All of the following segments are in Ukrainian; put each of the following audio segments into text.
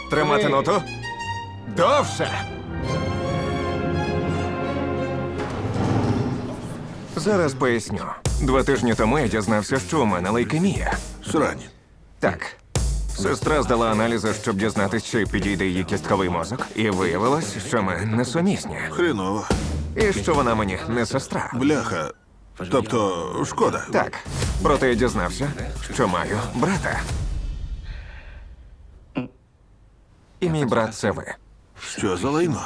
Тримати ноту. Довше. Зараз поясню. 2 тижні тому я дізнався, що у мене лейкемія. Срань. Так. Сестра здала аналізи, щоб дізнатись, чи підійде її кістковий мозок. І виявилось, що ми несумісні. Хреново. І що вона мені не сестра. Бляха. Тобто, шкода. Так. Проте я дізнався, що маю брата. І мій брат це ви. Що за лайно?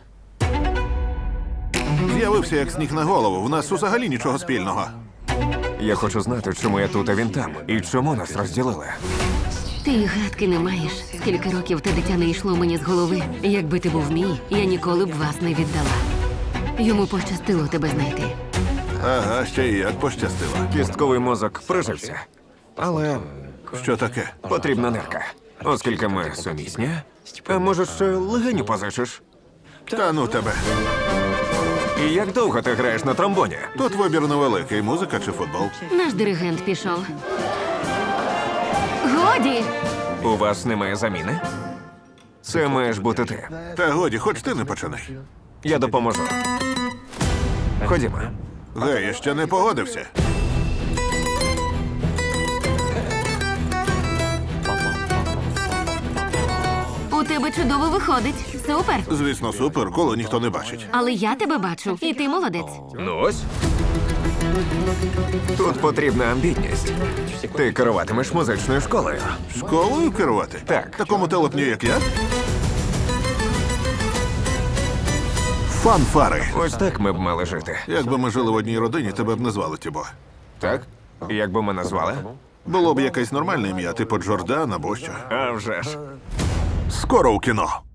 З'явився як сніг на голову. В нас взагалі нічого спільного. Я хочу знати, чому я тут, а він там. І чому нас розділили. Ти й гадки не маєш. Скільки років те дитя не йшло мені з голови. Якби ти був мій, я ніколи б вас не віддала. Йому пощастило тебе знайти. Ага, ще й як пощастило. Кістковий мозок прижився. Але Що таке? потрібна нирка. Оскільки ми сумісні, а може, ще легеню позичиш? Та ну тебе. І як довго ти граєш на тромбоні? Тут вибір невеликий. Музика чи футбол? Наш диригент пішов. Годі! У вас немає заміни? Це маєш бути ти. Та годі, хоч ти не починай. Я допоможу. Ходімо. Гей, я ще не погодився. У тебе чудово виходить. Супер! Звісно, супер, коло ніхто не бачить. Але я тебе бачу, і ти молодець. Ну ось. Тут потрібна амбітність. Ти керуватимеш музичною школою. Школою керувати? Так. Такому телепню, як я? Фанфари. Ось так ми б мали жити. Якби ми жили в одній родині, тебе б не звали Тібо. Так? Як би мене звали? Було б якесь нормальне ім'я, типу Джордан або що. А вже ж. Скоро у кіно.